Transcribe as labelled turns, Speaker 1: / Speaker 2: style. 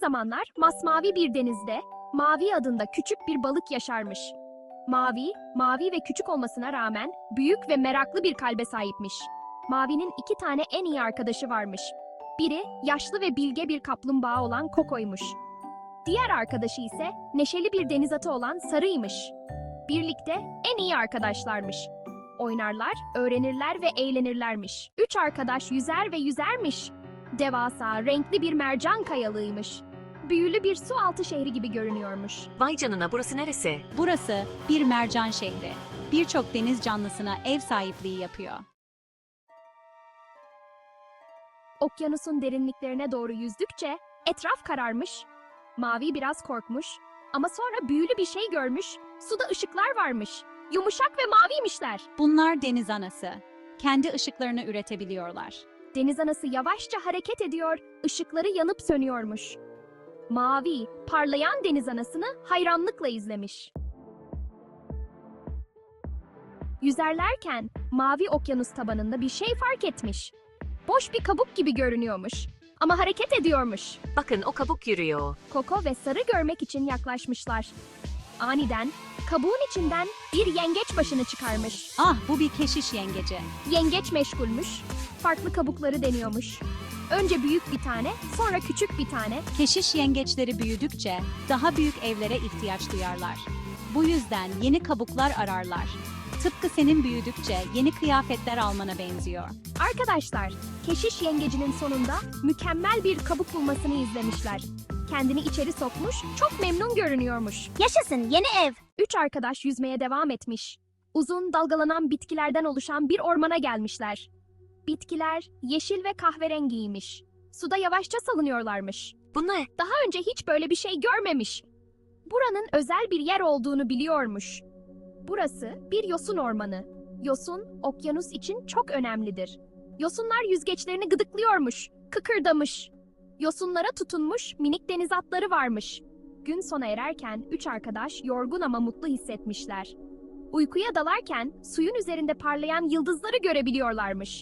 Speaker 1: zamanlar masmavi bir denizde Mavi adında küçük bir balık yaşarmış. Mavi, mavi ve küçük olmasına rağmen büyük ve meraklı bir kalbe sahipmiş. Mavi'nin 2 tane en iyi arkadaşı varmış. Biri yaşlı ve bilge bir kaplumbağa olan Koko'ymuş. Diğer arkadaşı ise neşeli bir deniz atı olan Sarı'ymış. Birlikte en iyi arkadaşlarmış. Oynarlar, öğrenirler ve eğlenirlermiş. 3 arkadaş yüzer ve yüzermiş. Devasa, renkli bir mercan kayalığıymış. Büyülü bir su altı şehri gibi görünüyormuş.
Speaker 2: Vay canına, burası neresi?
Speaker 3: Burası bir mercan şehri. Birçok deniz canlısına ev sahipliği yapıyor.
Speaker 1: Okyanusun derinliklerine doğru yüzdükçe etraf kararmış. Mavi biraz korkmuş ama sonra büyülü bir şey görmüş. Suda ışıklar varmış. Yumuşak ve maviymişler.
Speaker 3: Bunlar deniz anası. Kendi ışıklarını üretebiliyorlar.
Speaker 1: Deniz anası yavaşça hareket ediyor, ışıkları yanıp sönüyormuş. Mavi, parlayan deniz anasını hayranlıkla izlemiş. Yüzerlerken mavi okyanus tabanında bir şey fark etmiş. Boş bir kabuk gibi görünüyormuş ama hareket ediyormuş.
Speaker 2: Bakın, o kabuk yürüyor.
Speaker 1: Koko ve Sarı görmek için yaklaşmışlar. Aniden kabuğun içinden bir yengeç başını çıkarmış.
Speaker 3: Ah, bu bir keşiş yengeci.
Speaker 1: Yengeç meşgulmüş, farklı kabukları deniyormuş. Önce büyük bir tane, sonra küçük bir tane.
Speaker 3: Keşiş yengeçleri büyüdükçe daha büyük evlere ihtiyaç duyarlar. Bu yüzden yeni kabuklar ararlar. Tıpkı senin büyüdükçe yeni kıyafetler almana benziyor.
Speaker 1: Arkadaşlar, keşiş yengecinin sonunda mükemmel bir kabuk bulmasını izlemişler. Kendini içeri sokmuş, çok memnun görünüyormuş. Yaşasın, yeni ev! 3 arkadaş yüzmeye devam etmiş. Uzun, dalgalanan bitkilerden oluşan bir ormana gelmişler. Bitkiler yeşil ve kahverengiymiş. Suda yavaşça salınıyorlarmış.
Speaker 2: Bu ne?
Speaker 1: Daha önce hiç böyle bir şey görmemiş. Buranın özel bir yer olduğunu biliyormuş. Burası bir yosun ormanı. Yosun, okyanus için çok önemlidir. Yosunlar yüzgeçlerini gıdıklıyormuş, kıkırdamış. Yosunlara tutunmuş minik deniz atları varmış. Gün sona ererken 3 arkadaş yorgun ama mutlu hissetmişler. Uykuya dalarken suyun üzerinde parlayan yıldızları görebiliyorlarmış.